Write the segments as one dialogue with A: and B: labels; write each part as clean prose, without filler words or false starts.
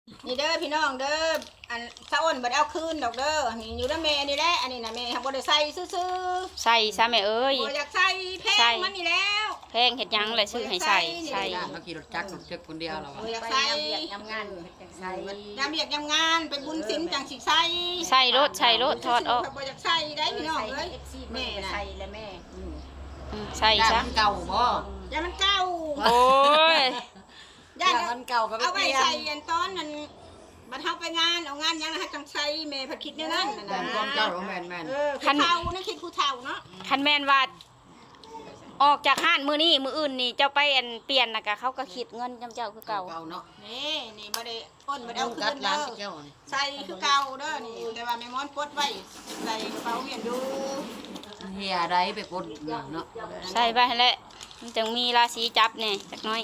A: นี่เด้อพี่น้องเด้ออันสะอ้นบ่ได้เอาคืนดอกเด้อนี่อยู่นำแม่นี่แหละอันนี้น่ะแม่บ่ได้ใส่ซื่อ
B: ใส่ซะแม่เอ้ย
A: ๆบ่อยากใส่แพงมันนี่แล้ว
B: แพงเฮ็ดหยังเลยซื้อให้ใส่ใส่
C: เราขี่รถจักรรถเจ็กคนเดียวเรา
A: บ่อยากใส่
D: ยำงานใส่
A: ยามเวียกยามงานไปบุญศีลจังสิใส่
B: ใส่รถถอดออก
A: บ่อยากใส่ได้พี่น้องเอ้ย
D: แม่ใส่แล้วแม่
B: ใส่ซะ
C: เก่าบ่
A: อย่ามันเก่า
B: โอ้ย
A: ย่า
D: มันเก่าก็
A: เอา
D: ไป
A: ไว้
D: เปลี่ย
A: ใส่
D: น
A: อันตอนนั้นบัดเฮาไปงานเอางานยังให้จังใส่แม่ผัดคิดแน่นั่นน่ะ
C: แม่น
A: นะ
C: ความเจ้าแม่น
A: คือเฒ่านะคิดผู้เฒ่าเนาะ
B: คันแม่นว่าออกจากห้านมื้อนี้มื้ออื่นนี่เจ้าไปอันเปลี่ยนน่ะก็เขาก็คิดเงินจำเจ้าคือเก่า
C: เก่าเนาะ
A: นี่บ่ได้อ้นบ่ได้
C: เอา
A: เอาคื
C: กัด
A: น
C: ร้า
A: เด้
C: น
A: อ
C: เจ้า
A: ใส่คือเก่าเด้อนี่แต่ว่าแม่ม้อนปลดไว้ใส่กระเป๋าเวียนอยู่
C: เฮียได้ไปกดเนาะ
B: ใส่ไปหั่นแหละมันจึงมีราศีจับแน่จักหน้อย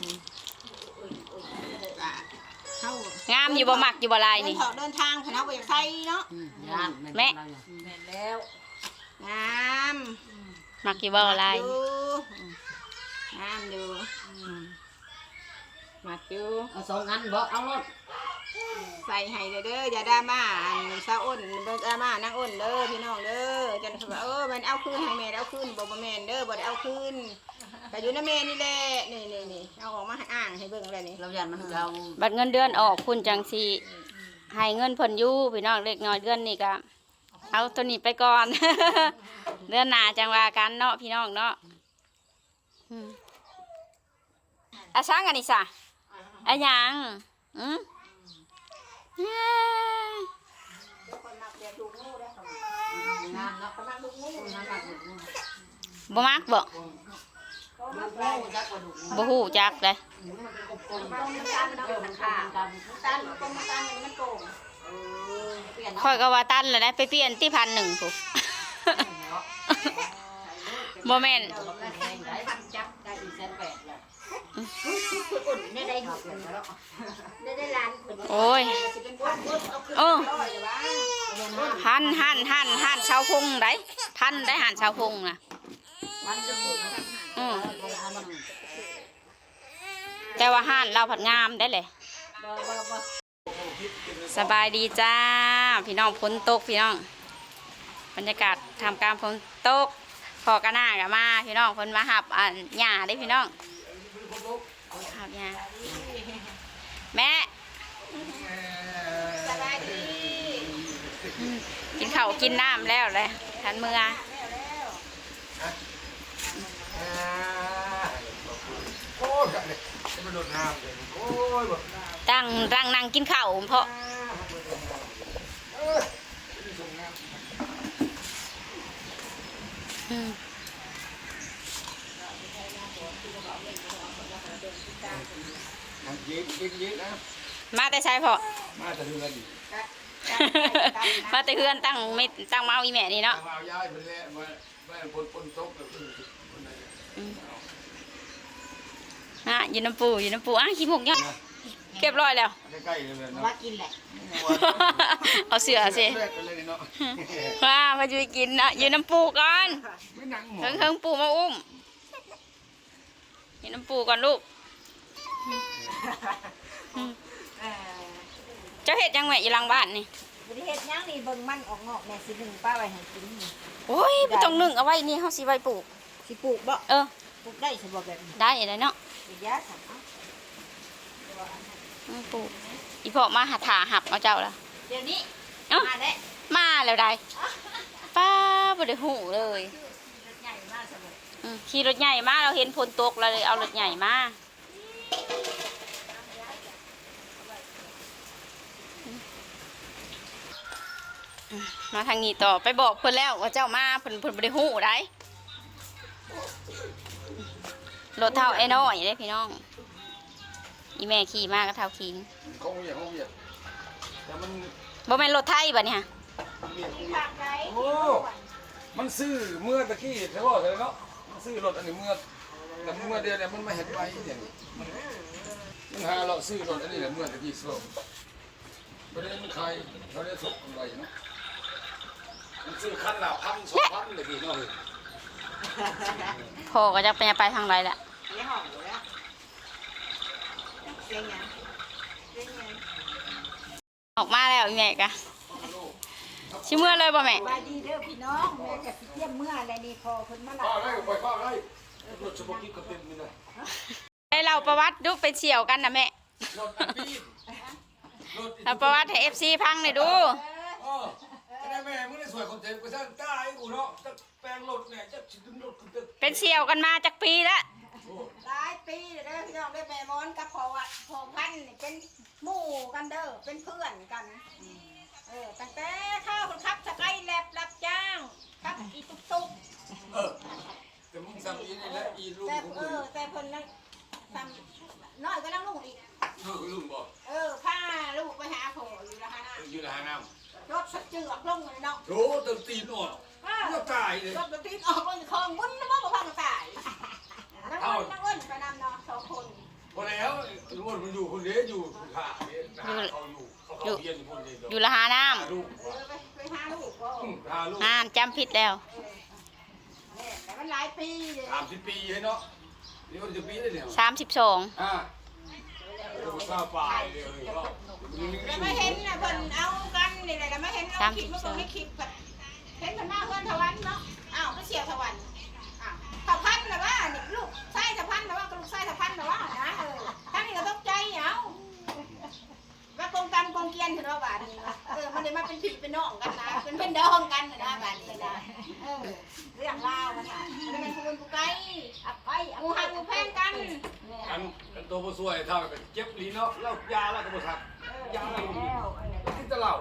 A: เฮาง
B: ามอยู่บ่มักอยู่บ่ลายนี่
A: เดินทางคณะบ่อยากใส่เนาะ
C: ย่าน
D: แม่แล้ว
A: งาม
B: มักอยู่บ่ลาย
A: อยู่งามอยู่มักอยู่
C: เอาสองอันบ่เอารถ
A: ใส่ให้เด้ออย่าดราม่าอันสาวอ้นบ่ดราม่านางอ้นเด้อพี่น้องเด้อจังว่ามันเอาคืนให้แม่เอาคืนบ่แม่นเด้อบ่ได้เอาคืนก็อยู่นำแม่นี่แหละนี่เอาออกมาให้อ้างให้เบิ่งแล้วนี่
C: เราย่านมันเก่า
B: บัดเงินเดือนออกคุณจังสิให้เงินเพิ่นอยู่พี่น้องเล็กน้อยเดือนนี้ก็เอาตัวนี้ไปก่อน เดือนหน้าจังว่ากันเนาะพี่น้องเนาะอาช่างอันนี้ซะอะหยัง
A: คนมักเรียนลูกงูได้ค่ะ
C: งานเนาะ
A: คนมักลูกงู
C: งานหลักลูก
B: บ่มักบ่
C: จักกระดูก
B: บ่ฮู้จักเลย
C: มันเป็นกลม
A: ต้มน้ำตาลเนาะมันขาดต้มน้ำตาลมันโป่งเปลี่ยน
B: ค่อยก็ว่าตันแล้วได้ไปเปลี่ยนที่1,000พุบ่แม่น
C: จักได้180,000แล้ว
A: อุ่นได้หกได้ล้านคน
B: โอ้ย
A: สิเป็นพันเอาขึ้น
B: โอ้
A: ร้อยว่า
B: หันชาวพงได้พันได้หันชาวพงน่ะ
C: มันจะพูด
B: แต่ว่าห้านเราผัดงามได้เลยสบายดีจ้าพี่น้องฝนตกพี่น้องบรรยากาศทำการฝนตกพอกระหน้ากับมาพี่น้องฝนมาหับหญ้าได้พี่น้องหับหญ้าแม่
A: สบายดี
B: กินข้าวกินน้ำแล้วเลยทันมือ
E: โอ้ยเลยจะมาโดดน้ำเลยโอ้ยแบบ
B: ตั้งนั่งกินข้าวเพราะ
E: ยิงนะ
B: มาแต่ใช่เพาะ
E: มาจะดูแลดี
B: มาแต่เพื่อนตั้งเมาอีแม่นี่เนาะ
E: มาเอาย้ายไปแล้วมาปนโต๊ะกับคนไหน
B: อยู่น้ำปูขี้หมกเนี่ยเก็บร้อยแล้ว
E: ใกล้ๆเลยเนาะ
D: ว่ากินแหละ
B: เอาเสือสิ
E: แรกกันเลยเนาะ
B: ว่ามาจุยกินนะอยู่น้ำปูก่อน
E: ไม่นั่งหมอ
B: เฮิงปูมาอุ้มอยู่น้ำปูก่อนลูกเจ้าเห็ดยังแม่อยู่หลังบ้านนี่
D: บริเฮ็ดยังนี่เบิ่งมันออกงอกแม่สิหนึ่งป้าไว้ให้กิน
B: โอ้ยไม่ต้องนึ่งเอาไว้นี่เขาสิไว้ปลูก
D: สิปลูกบ่
B: เออ
D: ปลูกได้สิบ่แบบนี้
B: ได้เลยเนาะ
D: สิยาสั่ง
B: ปลูกอีพ่อมาหาหับเอาเจ้าละ
D: เดี๋ยวนี้
B: เอ้า
D: มาได้
B: มาแล้วได้ป้าบ่ได้หูเลย
D: รถใหญ่มากสมมุติ
B: ขี่รถใหญ่มาเราเห็นฝนตกเราเลยเอารถใหญ่มามาทางนี้ต่อไปบอกเพิ่นแล้วว่าเจ้ามาเพิ่นบ่ได้หูได้รถเท่าไอ้น้อยเด้พี่น้องอีแม่ขี่มาก็เท่าขิง
E: คงเหยียบแต่มัน
B: บ่แม่นรถไทยบัดนี้ฮะ
E: โอ้มันซื้อเมื่อตะกี้ใช่ป่ะเลยเนาะมันซื้อรถอันนี้เมื่อแต่เมื่อเดียวเนี่ยมันไม่เห็นไปอย่างนี้มันหาเราซื้อรถอันนี้แหละเมื่อตะกี้ซื้อประเด็นมันใครเขาได้ส่งอะไรเนาะมันซื้อคันละ1,000-2,000เลยพี่น้อง
B: พ่อก็จะไปทางไรแหละ
D: เลี้ยงห้องอยู่แล้วเลี้ยงหยังเลี้ยงหยัง
B: ออกมาแล้วอีแม่กะชิเมื่อเลยบ่แม่
D: สบายดีเด้อพี่น้องแม่ก็สิเตรียมเมื่ออะไรนี่พอเพิ่นมาหลั
E: ป้า
D: บ
E: ได้ไปป้าได้รถสปอร์ตกิ๊กก็เต็มนี่นะ
B: ให้เราประวัติดูไปเฉี่ยวกันนะแม่
E: รถอันปีรถ
B: เราประวัติให้ FC พังหน่อยดู
E: จะได้แม่มึงได้สวยคนเต็มก็สร้างตายกูเนาะจะแปลงรถเนี่ยจะดึงรถกูจะ
B: เป็นเฉี่ยวกันมาจากปีแล้ว
A: หลายปีเด้อพี่น้องได้แม่มอนกับพ่อพันธุ์นี่เป็นหมู่กันเด้อเป็นเพื่อนกันตั้งแต่ข้าวคนขับสกายแลบรับจ้างขับอีตุกตุก
E: แต่มึงสั่งอีนี่แหละอีลูก
A: แต่
E: ของมึง
A: แต่เพิ่นนั่งทำน้อยก็นั่งลุงอีก
E: ลุงบอก
A: พาลูกไปหาพ่ออยู่ละฮะนะ
E: อยู่ในหาน้
A: รถสะเจือกลงเลยเนาะ
E: ำโถเติมตีนอ่อนก็ตายเลย
A: รถมันตีนออกลงคลองบุ้นนะว่าบ่พังตายนั่งเอิ้นไปนำเนาะ2 คน
E: พอแล้วลุงมันอยู่คนเดียวอยู่ขาเนี่ยเขาอยู่เขาเพียนคนเดียว
B: อยู่ละหาน้
E: ลูก
A: ไปหาลูกก็
E: พาลูก
B: ำจำผิดแล้ว
A: แต่มันหลายปีเลย
E: 30 ปีให้เนาะนี่มันจะปีได้เนี่ย
B: 32
E: เราทราบปลายเลยก็
A: แต่ไม่เห็นนะเพิ่นเอากันนี่แหละแต่ไม่เห็นเอาคลิปมาส่งให้คลิปแบบเห็นเพิ่นมาเพื่อนทวันเนาะอ้าวก็เสียวทวันอ้าวทพันนะว่านี่ลูกไส้ทพันนะว่าก็ลูกไส้ทพันนะว่านะท่านนี่ก็ตกใจเอาว่ากงกันกงเกียนถึงว่าบาดนี้มันเลยมาเป็นพี่เป็นน้องกันนะเป็นดองกันนะบาดนี้นะเรื่องราวมันน่ะมันเป็นคนผู้ไกลอับไปงูหักงูแพงกัน
E: อันตัวผู้สวยเท่ากับเจ็บลีเนาะแล้วยาแล้วก็บ่ทักยาแล้วกินแต่เหล้า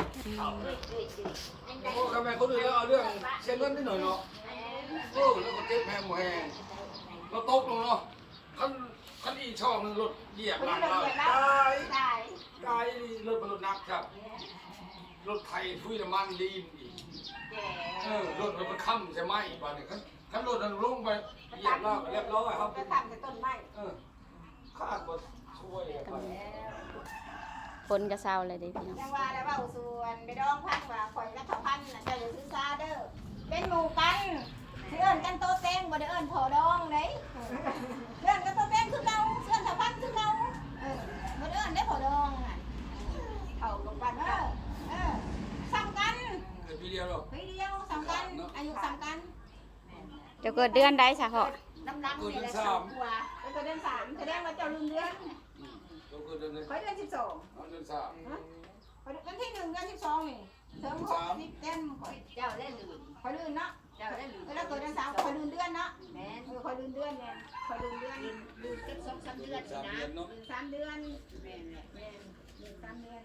E: โอ้ทำไมคนอื่นแล้วเอาเรื่องเส้นเลือดนิดหน่อยเนาะโอ้แล้วก็เจ็บแหงหมูแหงเราตกลงเนาะขั้นอีช่องนึงรถเหยียบหลังเราตายรถบรรลุนักครับรถไทยทุยน้ำมันดีอีกรถมันค่ำใช่ไหมบ้านนี้ขั้นรถนั้นลงไปเหยียบแล้วเรียบร้อยครับ
A: ไปทำกับต้นไม้
E: ข้าก็ช่วยกัน
B: คนกระเซาเลยเด้พี่น้อง
A: จังว่าแล้วว่าส่วนไปดองพันว่าข่อยและเขาพันน่ะจะอยู่ซื้อซาเด้อเป็นหมู่กันเอื้อนกันโตเต็งบ่ได้เอื้อนพอดองเด้เอื้อนกันโตเต็งคือเราเอื้อนเขาพันคือเราบ่ได้เอื้อนได้พอดองน่ะเอาลงกันซ้ำกัน
E: เกิดปีเดียวหรอ
A: ปีเดียวซ้ำกันอายุซ้ำกัน
B: จะเกิดเดือนใดซะพ่อ
A: น้ำนี่แหละ2 กว่าแล้วก็เดือน3แสดงว่าเจ้าลืมเดือน
E: เราเกิดเดือน
A: ข่อยเดือน12
E: เดือน3
A: วันที่1 เดือน12นี่เสริม60เดือนข่อย
C: เจ้าได้ลืม
A: ข่อยลืมเนาะ
C: เจ้าได้ลืม
A: แล้วเกิดเดือน3ข่อยลืมเดือนเนาะ
C: แม่
A: ข่อยลืมเดือนเนี่ยข่อยลืมเดือน
C: ลืมเก็บ2-3 เดือนสินะ
E: เนาะ
A: ลืม3 เดือน
C: แม่แหละ
A: ลืม3 เดือน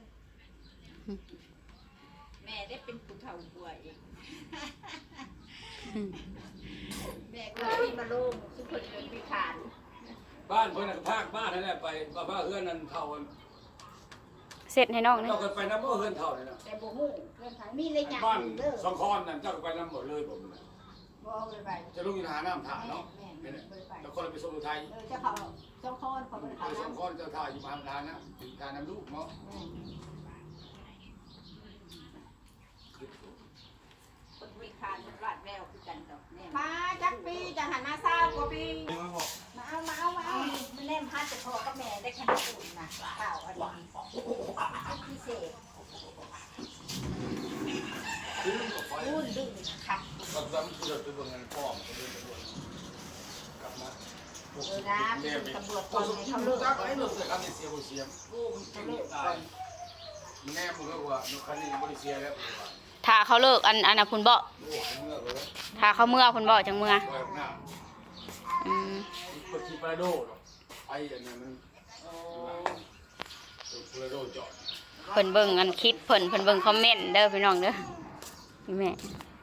C: แม่ได้เป็นผู้เฒ่ากว่าเอง
A: แม่ก็พี่มาลงทุกคนเป็นพิการ
E: บ้านเพื่อนภาคบ้านนั่นแหละไปบ้านเพื่อนนั่นเท่ากัน
B: เสร็จให้น้องนี่
E: เจ้าก็ไปน้ำเพื่อนเท่าเลยนะ
A: แต่บ่ฮู้เรื่องทางมีเลยหยัง
E: บ้าน
A: เด้อ
E: สองคอนนั่นเจ้าก็ไปน้ำหมดเลยผมนะ
A: บ่เอาเลยไป
E: จะลุกยินหาน้ำถ่าเนาะนี่แหละแล้วคนไปสมุทรไทย
A: เจ้าเขาสองคนเขาบ่ได้
E: ไป
A: เข้า
E: สอง
A: น้ำ
E: คอนเจ้าท่าอยู่บ้านทานนะตีทานน้ำลูกเนาะ
C: คนพิการมันรอดแววคือกันดอกแน่
A: มาจักปีจังหันมา20 กว่าปีมาเอา
D: มันเล่มพัดจะพอกับแม่ได้ขนาดอุ่นนะข้าวอันนี้พิเศษ
E: อุ่นดึงครับตอนนั้นคือเราไปเบิ่งเงินพ่อมาเดินไปด้วยกลับมา
D: ตำรวจค
E: คน
D: น
E: สุ
D: นี้
E: ขี
D: เขา
E: ลู
D: เลิ
E: ก
D: ก
E: จักไอ้หนุ่มเสียคำเสียเสียโอ้มันเก่งตายแม่มึงก็ว่าลูกคันนี้บริเสียแล้ว
B: ถ้าเขาเลิกอันน่ะพุ่นบ่
E: โอ้เมื่อเลย
B: ถ้าเขาเมื่อพุ่นบ่จังเมื่อ
E: แบบหน้า กดที่ปลาโดดไอ้อันนี้มันปลาโดจอด
B: เพิ่นเบิ่งอันคลิปเพิ่นเบิ่งคอมเมนต์เด้อพี่น้องเด้อนี่แม่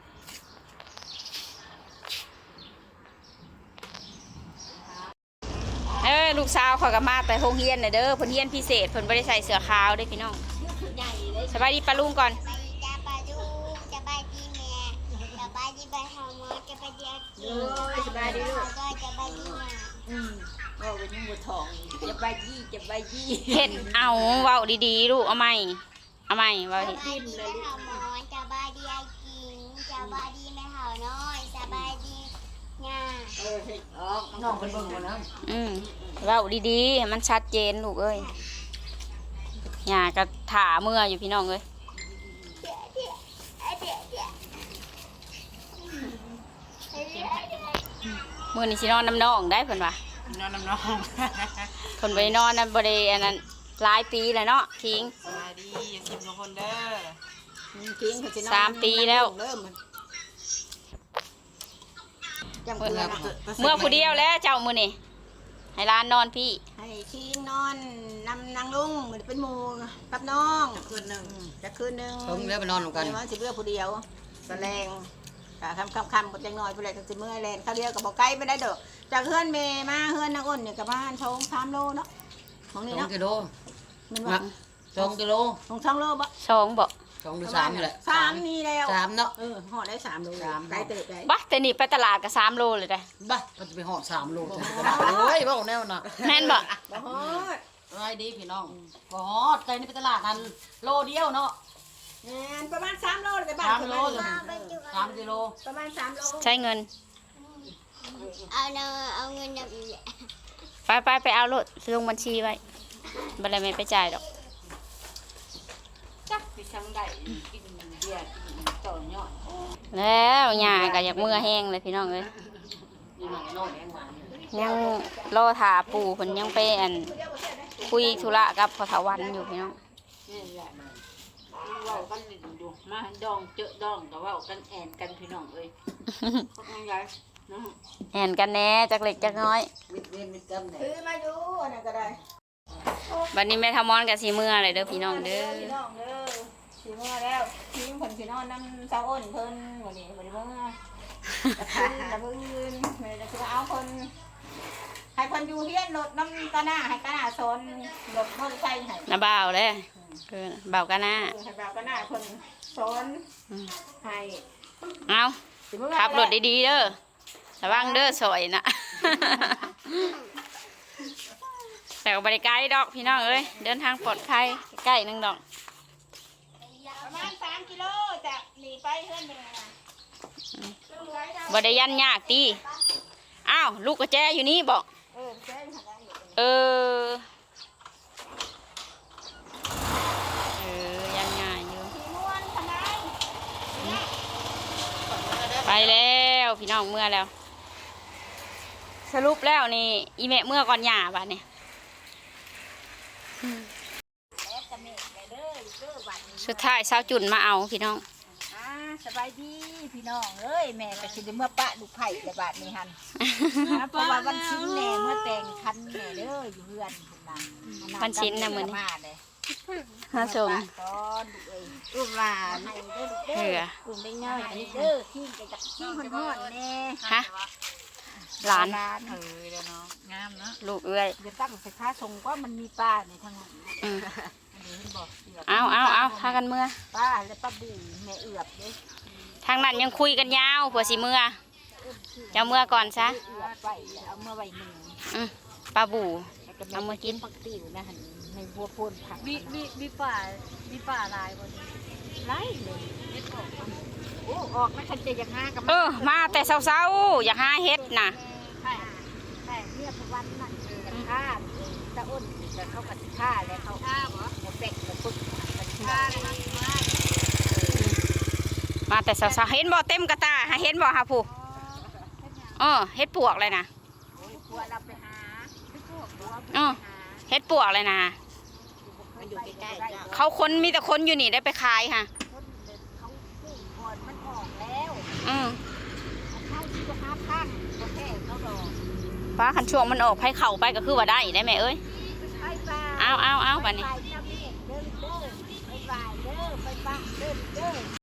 B: ลูกสาวเขาก็มาแต่โรงเรียนน่ะเด้อเพิ่นเรียนพิเศษเพิ่นบ่ได้ใส่เสื้อขาวเด้อพี่น้องสบายดีปะลุงก่อน
F: จะไปดูจะไปดีแม่จะไปดีไปหาหมอจะไปดีกิน
A: สบายดีลูก
F: ก็จะไปดีแม่
C: ว่าเป็นยังบ่ทองจะไปยี่จะไปยี่
B: เฮ็ดเอาเว้าดีๆลูกเอาใหม่เว้าดิ
F: จะไปดีไปหาหมอจะไปดีไอกินจะไปดีแม่หาน้อยจะไปดีง่า
C: น้องเป็นเบิ่งบ่นะ
B: เว้าดีๆให้มันชัดเจนลูกเอ้ยหญ้าก็ถ่าเมื่ออยู่พี่น้องเอ้ยมื้อนี้สินอนน้ำน้องได้เพิ่นว่าน
C: อนน้ำน้อง
B: เพิ่นบ่ได้นอนนะบ่ได้อันนั้นหลายปีแล้วเนาะทิ้ง
C: สบายดีอย่ากินทุกคนเด้อ
A: ทิ้งเขาสินอน
B: 3 ปีแล้ว
A: เริ่มมันจำ
B: เมื่
A: เกลือ
B: อผู้เดียวแล้วเจ้ามื้อนี้ให้หลานนอนพี่
A: ให้ทิ้งนอนนำนางลุงเหมือนเป็นหมู่กับน้อง
C: คืนหนึ่ง
A: จะคืนหนึง
C: เพิ่งเลี้ยไปนอนกัน
A: เดี๋ยวมันสิเลือกผู้เดียวแสลงกะคำกดจังหน่อยผู้ใดก็สิเมื่อยแลนเขาเรียกกับบอกไกลไม่ได้ดอกจากเฮือนเมมาเฮือนนางอ้นเนี่ยกับบ้านชง3 โลเนาะของนี่
C: 2
A: เนาะ
C: กิโล
A: มันว่า
C: 2 กิโล
A: ของ2 โลบ่
B: สองบ่
C: 2 หรือ 3แหละ
A: 3นี่แล้ว
C: 3เนาะ
A: ห่อได้3 โล
C: 3
A: ไกลเติบได้
B: บัแต่นี่ไปตลาดก็3 โลเลยได้
C: บ้าก็จะไปหอด3 โลจะกระดาษโอ้ยบ้าแนวน่ะ
B: แม่นบ่
A: บ่ฮอด
C: สบายดีพี่น้องบ่ฮอดใจนี่ไปตลาดนั้นโลเดียวเนาะ
A: แม่นประมาณ3 โลเลยแต่บ้าน
C: 3 โลเลย3 กิโล
A: ประมาณ3 โล
B: ใช้เงิน
F: เอาเงินนำอีก
B: ไปเอารถลงบัญชีไว้บ่ได้แม่ไปจ่ายดอก
C: จักสิช่างได้กินเบียร์กินต่อยอด
B: แล้วหญ้าก็อยากเมื่อแห้งเลยพี่น้องเอ้ย
C: นี่มันน้อยแรงหวาน
B: ยังรอถาปู่เพิ่นยังไปอันคุยธุระกับพ่อเฒ่าวันอยู่พี่น้อง
C: นี่แหละเว้ากันอยู่มาดองเจอดองก็เว้ากันแอนกันพี่น้องเอ้ยพวกนั้นไงน้อง
B: แอนกันแหน่จักเล็กจักน้อย
C: มิดเวนมิดกันเนี่ย
A: ซื้อมาอยู่อันนั้นก็ได้
B: บัดนี้แม่ทำมอนกับสีเมื่อเลยเด้อพี่น้องเด้อ
A: พี่น้องเด้อสิเมื่อแล้วทิ้งเพิ่นสินอนนำเจ้าอ้นเพิ่นวันนี้บ่ได้เมื่อตะพื้นแม่จะสิเอาเพิ่นให้เพิ่นอยู่เฮียนรถน้ำกะหน้าให้กะหน้าสนรถมอเตอร์ไซค์ให้
B: น้าบ่าวเลยบ่าวกันนะ
A: ให้แบบกะหน้าเพิ่นสนให้
B: เอา
A: สิเมื่อ
B: ขับรถดีๆเด้อระวังเด้อสวยนะ แต่ก็บริการดอกพี่น้องเอ้ยเดินทางปลอดภัยใกล้ๆนึงดอก
A: ประมาณ3 กิโลจากนี่ไปเฮือนเป็นไงนะ
B: บ่ได้ยันยากตีอ้าวลูกกระแจอยู่นี่บอก
A: เจ๊หันได้อยู่
B: เออยันง่ายอยู่
A: สีม่วนทำไม
B: ไปแล้วพี่น้องเมื่อแล้ว สรุปแล้วนี่อีแม่เมื่อก่อนหย่าบัดนี่
D: แล้วจะเมฆไปเด้อเด้อวันนี้
B: สุดท้ายสาวจุนมาเอาพี่น้อง
D: สบายดีพี่น้องเอ้ยแม่ก็สิได้เมื่อปะลูกไผ่แต่บาดนี้หันเพราะว่าวันชิ้นแน่เมื่อแต่งคันแน่เด้ออยู่เฮือนพุ่นน่ะ
B: วันชิ้นน่ะมื้อนี้
D: มาเลย
B: ฮะชม
D: ตอนลูกเอ้ยลูกหลานให้เด้อลูกเด้
B: เหื
D: อ
B: อ
D: ลูกได้ง่ายอันนี้เด้อขี้ก็จักขี้ฮ้อนๆแน่
B: ฮะหลาน
D: หลาน
C: เออเดี๋ยวเนาะงามเนาะ
B: ลูกเอ้ย
D: อย่าตั้งใส่ค้าทรงว่ามันมีป้าในทางนั้น
B: อืม
D: อันนี้เห็นบอกเดี๋ยว
B: เอาพากันเมื่อ
D: ป้าและป้าบูแม่เอือบเด้
B: ทางนั้นยังคุยกันยาวเผื่อสิเมื่อเจ้าเมื่อก่อนซะ
D: เอือบไปแล้วเอาเมื่อไว้หนึ่ง
B: ปลาบู
D: แล้วก็
B: เอามากิน
D: ผักติ๋วนะหันในบัวโพ่นผัก
C: มีป่าลายบ่นี่
D: ไล่เลยโอ้ออกนะคันเจอยากห้ากับ
B: มาแต่เช้าๆอยากหาเฮ็ดน่ะ
D: แต่เนี่ยพวันนั่นจะฆ่าตะอ้นจะเข้ากับฆ่าแล้วเขาฆ่าเหรอหมดเป็ดกับพุทธฆ่าเลยนะ
B: มาแต่เช้าๆเห็นบ่เต็มกระตาหาเห็นบ่ฮะผู้เฮ็ดปวกเลยนะ
D: ผัวเราไปหาผัว
B: เฮ็ดปวกเลยนะ
D: มันอยู่ใกล้ๆ
B: เขาคนมีแต่คนอยู่นี่ได้ไปขายค่ะ
D: คนเดินเขาปลูกก่อนมันออกแล้ว เข้าที่ก็หาข้างก็แค่เขาดอก
B: ฟ้าคันช่วงมันออกให้เข่าไปก็คือว่าได้ได้ไหมเอ้ย
D: ไปป่า
B: เอาบัดนี้
D: ไปเด้อเด้อไปป่าเด้อไปป่าเด้อเด้อ